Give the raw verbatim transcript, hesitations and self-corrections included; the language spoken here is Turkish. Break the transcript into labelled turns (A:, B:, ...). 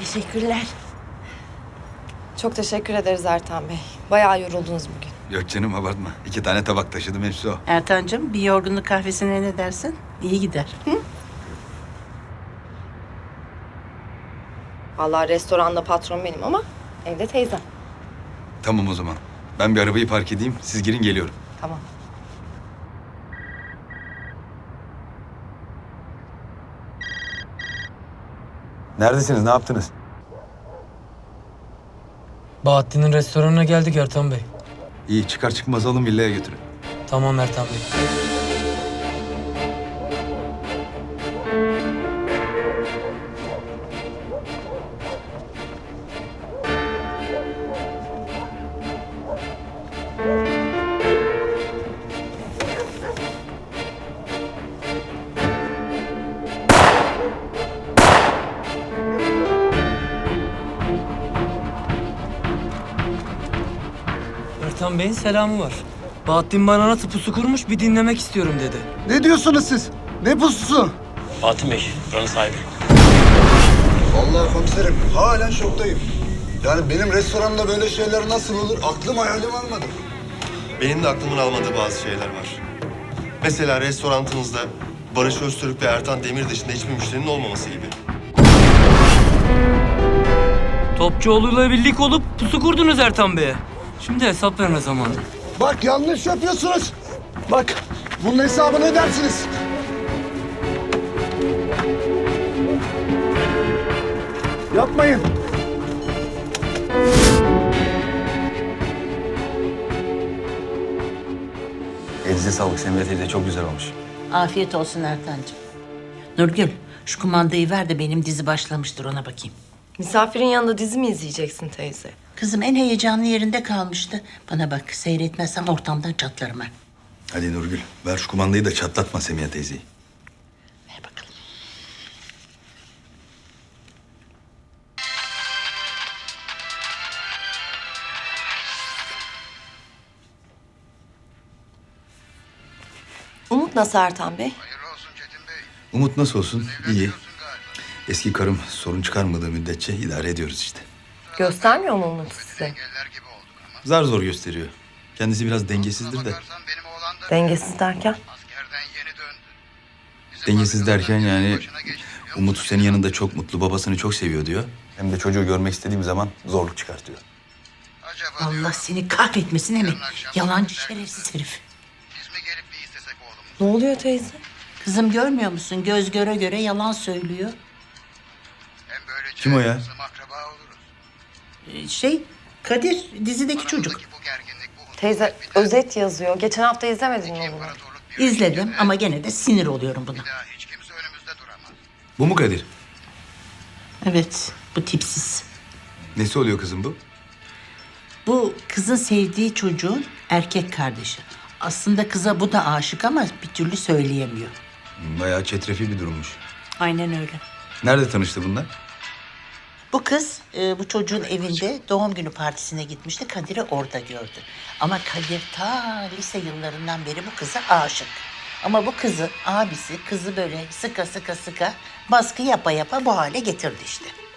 A: Teşekkürler.
B: Çok teşekkür ederiz Ertan Bey. Bayağı yoruldunuz bugün.
C: Yok canım abartma. İki tane tabak taşıdım hepsi o.
A: Ertancığım bir yorgunluk kahvesine ne dersin? İyi gider. Hı?
B: Vallahi restoranda patron benim ama evde teyzem.
C: Tamam o zaman. Ben bir arabayı park edeyim. Siz girin geliyorum.
B: Tamam.
C: Neredesiniz? Ne yaptınız?
D: Bahattin'in restoranına geldik Ertan Bey.
C: İyi çıkar çıkmaz alın villaya götürün.
D: Tamam Ertan Bey. Ertan Bey'in selamı var. Bahattin bana nasıl pusu kurmuş bir dinlemek istiyorum dedi.
E: Ne diyorsunuz siz? Ne pususu?
F: Bahattin Bey, buranın sahibi.
E: Vallahi komiserim halen şoktayım. Yani benim restoranımda böyle şeyler nasıl olur? Aklım hayalim almadı.
G: Benim de aklımın almadığı bazı şeyler var. Mesela restoranınızda Barış Öztürk ve Ertan Demir dışında hiçbir müşterinin olmaması gibi.
D: Topçuoğlu'yla birlik olup pusu kurdunuz Ertan Bey'e. Şimdi hesap verme zamanı.
E: Bak yanlış yapıyorsunuz. Bak bunun hesabını ödersiniz. Yapmayın.
C: Elinize sağlık Semra teyze. Çok güzel olmuş.
A: Afiyet olsun Ertancığım. Nurgül, şu kumandayı ver de benim dizi başlamıştır ona bakayım.
B: Misafirin yanında dizi mi izleyeceksin teyze?
A: Kızım en heyecanlı yerinde kalmıştı. Bana bak seyretmezsem ortamdan çatlarım ben.
C: Hadi Nurgül ver şu kumandayı da çatlatma Semiha teyzeyi.
A: Ver bakalım.
B: Umut nasıl Ertan Bey?
C: Umut nasıl olsun? İyi. Eski karım sorun çıkarmadığı müddetçe idare ediyoruz işte.
B: Göstermiyor mu Umut size?
C: Zar zor gösteriyor. Kendisi biraz dengesizdir de.
B: Dengesiz derken?
C: Dengesiz derken yani Umut senin yanında çok mutlu, babasını çok seviyor diyor. Hem de çocuğu görmek istediğim zaman zorluk çıkartıyor.
A: Allah seni kahretmesin Emin. Yalancı şerefsiz herif.
B: Ne oluyor teyze?
A: Kızım görmüyor musun? Göz göre göre yalan söylüyor.
C: Kim o ya?
A: Ee, Şey, Kadir, dizideki çocuk.
B: Teyze özet yazıyor. Geçen hafta izlemedin mi bunu?
A: İzledim ama gene de sinir oluyorum buna.
C: Bu mu Kadir?
A: Evet, bu tipsiz.
C: Nesi oluyor kızım bu?
A: Bu kızın sevdiği çocuğun erkek kardeşi. Aslında kıza bu da aşık ama bir türlü söyleyemiyor.
C: Bayağı çetrefil bir durummuş.
A: Aynen öyle.
C: Nerede tanıştı bunlar?
A: Bu kız e, bu çocuğun evinde doğum günü partisine gitmişti. Kadir'i orada gördü. Ama Kadir ta lise yıllarından beri bu kıza aşık. Ama bu kızı abisi kızı böyle sıka sıka sıka baskı yapa yapa bu hale getirdi işte.